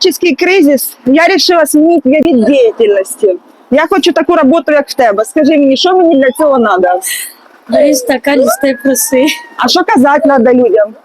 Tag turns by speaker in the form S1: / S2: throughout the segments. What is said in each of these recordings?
S1: экономический кризис, я решила змінити вид деятельности. Я хочу таку роботу, як в тебе. Скажи мені, що мені для цього треба?
S2: Бери стакан, листай проси.
S1: А що казати треба людям?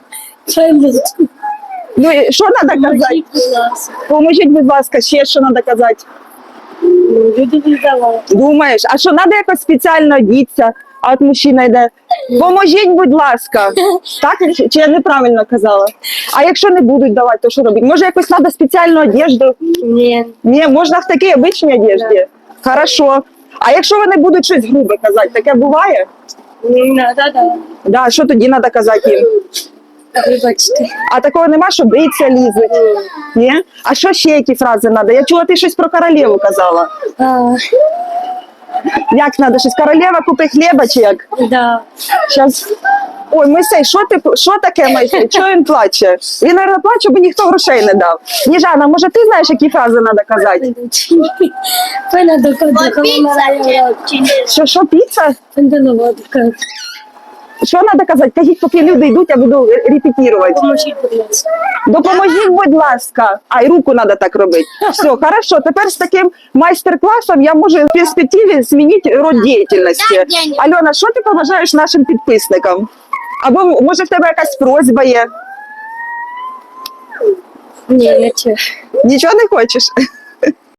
S1: Ну, і що треба казати? Поможіть, будь ласка, ще що треба казати?
S2: Люди не давали.
S1: Думаєш, а що треба якось спеціально одітися, а от мужчина йде? Поможіть, будь ласка. Так? Чи я неправильно казала? А якщо не будуть давати, то що робити? Може, якось треба спеціальну одежду?
S2: Ні.
S1: Ні, можна в такій обичній одежді. Хорошо. А якщо вони будуть щось грубе казати, таке буває?
S2: Не треба,
S1: Да, що тоді треба казати їм?
S2: вибачте.
S1: А такого нема, що биться лізуть? Ні? А що ще які фрази треба? Я чула, ти щось про королеву казала. Як треба? Щось королева купи хліба чи як?
S2: Да.
S1: Щас. Ой, Мойсей, що таке, Мойсей? Чого він плаче? Він, мабуть, плаче, бо ніхто грошей не дав. Ніжана, може ти знаєш, які фрази треба казати?
S2: Пена до кодика.
S1: Що, піца?
S2: Пендановодка.
S1: Що треба казати? Кажіть, поки люди йдуть, я буду репетувати.
S2: Поможіть, будь ласка.
S1: Допоможіть, будь ласка. А, і руку треба так робити. Все, хорошо. Тепер з таким майстер-класом я можу в перспективі змінити род діяльності. Альона, що ти побажаєш нашим підписникам? Або, може, в тебе якась просьба є?
S2: Ні, нічого.
S1: Нічого не хочеш?